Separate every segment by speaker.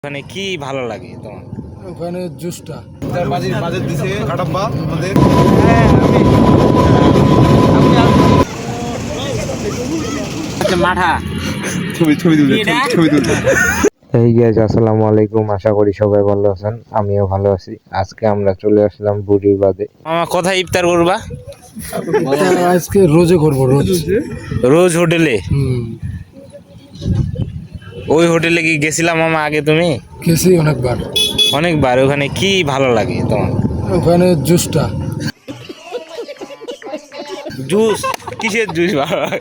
Speaker 1: ওখানে কি ভালো লাগে তোমার?
Speaker 2: ওখানে জুসটা
Speaker 3: তার বাজেট দিছে কাটাব্বা আমাদের।
Speaker 1: মাঠা
Speaker 3: ছবি তুলতে ছবি তুলতে
Speaker 4: এই গাইস, আসসালামু আলাইকুম। আশা করি সবাই ভালো আছেন, আমিও ভালো আছি। আজকে আমরা চলে আসলাম বুড়ির বাদে।
Speaker 1: মামা কোথায় ইফতার করবা?
Speaker 2: আজকে রোজে করবো
Speaker 1: রোজ হোটেলে।
Speaker 2: হুম,
Speaker 1: ওই হোটেলে কি গেছিলাম মামা আগে তুমি?
Speaker 2: গেছি অনেকবার।
Speaker 1: অনেকবার। ওখানে কি ভালো লাগে তোমার?
Speaker 2: ওখানে জুসটা
Speaker 1: জুস? কিসের জুস ভালো লাগে?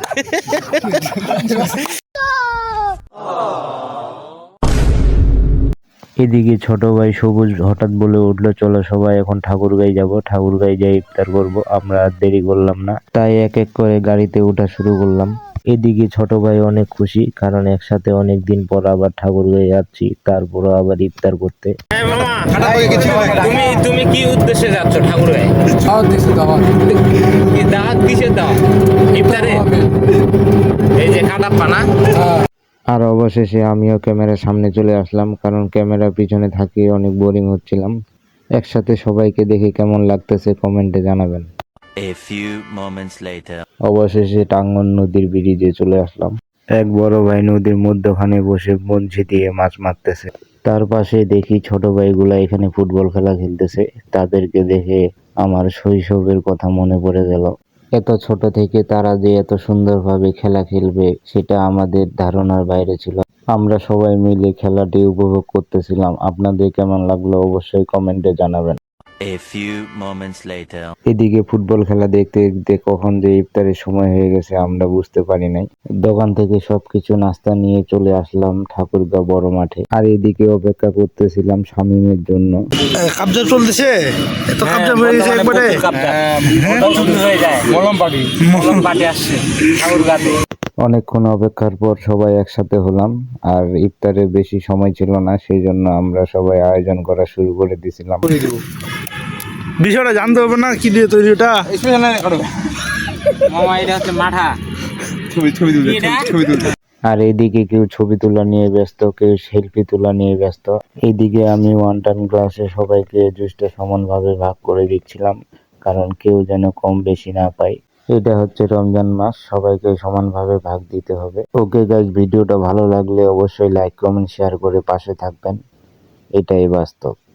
Speaker 4: এদিকে ছোট ভাই সবুজ হঠাৎ বলে উঠলো, চলো সবাই এখন ঠাকুরগাঁই যাব, ঠাকুরগাঁই যাই ইফতার করব। আমরা আর দেরি করলাম না, তাই এক এক করে গাড়িতে ওঠা শুরু করলাম। এদিকে ছোট ভাই অনেক খুশি, কারণ একসাথে অনেক দিন পর আবার ঠাকুরগাঁই যাচ্ছি, তারপরও আবার ইফতার করতে।
Speaker 1: হ্যাঁ মামা, তুমি কি উদ্দেশ্যে যাচ্ছ ঠাকুরগাঁয়ে?
Speaker 2: দাওয়াত দিছে, দাওয়াত।
Speaker 1: কি দাওয়াত? কিসের দাওয়াত? ইফতারে? এই যে কাটাপ্পা না?
Speaker 2: হ্যাঁ,
Speaker 4: আর অবশেষে আমিও ক্যামেরার সামনে চলে আসলাম, কারণ ক্যামেরার পিছনে থাকিয়ে অনেক বোরিং হচ্ছিলাম। একসাথে সবাইকে দেখে কেমন লাগতেছে কমেন্টে জানাবেন।
Speaker 5: A few moments later.
Speaker 4: অবশেষে টাঙ্গন নদীর ব্রিজে চলে আসলাম। এক বড় ভাই নদীর মধ্যখানে বসে বঞ্চি দিয়ে মাছ মারতেছে। তার পাশে দেখি ছোট ভাইগুলা এখানে ফুটবল খেলা খেলতেছে। তাদেরকে দেখে আমার শৈশবের কথা মনে পড়ে গেল। এত ছোট থেকে তারা যে এত সুন্দরভাবে খেলা খেলবে সেটা আমাদের ধারণার বাইরে ছিল। আমরা সবাই মিলে খেলাটি উপভোগ করতেছিলাম। আপনাদের কেমন লাগলো অবশ্যই কমেন্টে জানাবেন।
Speaker 5: A few moments later.
Speaker 4: এদিকে ফুটবল খেলা দেখতে দেখতে কখন যে ইফতারের সময় হয়ে গেছে আমরা বুঝতে পারি নাই। দোকান থেকে সবকিছু নাস্তা নিয়ে চলে আসলাম ঠাকুরগাঁও বড় মাঠে। আর এদিকে অপেক্ষা করতেছিলাম শামীমের জন্য।
Speaker 3: কাবজা চলতেছে, এত কাবজা হয়ে গেছে একবারে।
Speaker 1: মলম পাটি আসছে ঠাকুরগাঁতে।
Speaker 4: অনেকক্ষণ অপেক্ষার পর সবাই একসাথে হলাম। আর ইফতারের বেশি সময় ছিল না, সেই জন্য আমরা সবাই আয়োজন করা শুরু করে দিয়েছিলাম।
Speaker 3: বিষয়টা জানতে হবে না কি দিয়ে তৈরি ওটা।
Speaker 1: মামা এটা হচ্ছে মাঠা।
Speaker 3: ছবি তুলতে
Speaker 4: আর এদিকে কেউ ছবি তোলা নিয়ে ব্যস্ত, কেউ সেলফি তোলা নিয়ে ব্যস্ত। এইদিকে আমি ওয়ান টাইম গ্লাসে সবাইকে জুসটা সমানভাবে ভাগ করে দিচ্ছিলাম, কারণ কেউ যেন কম বেশি না পায়। এটা হচ্ছে রমজান মাস, সবাইকে সমানভাবে ভাগ দিতে হবে। ওকে গাইস, ভিডিওটা ভালো লাগলে অবশ্যই লাইক কমেন্ট শেয়ার করে পাশে থাকবেন। এটাই বাস্তব।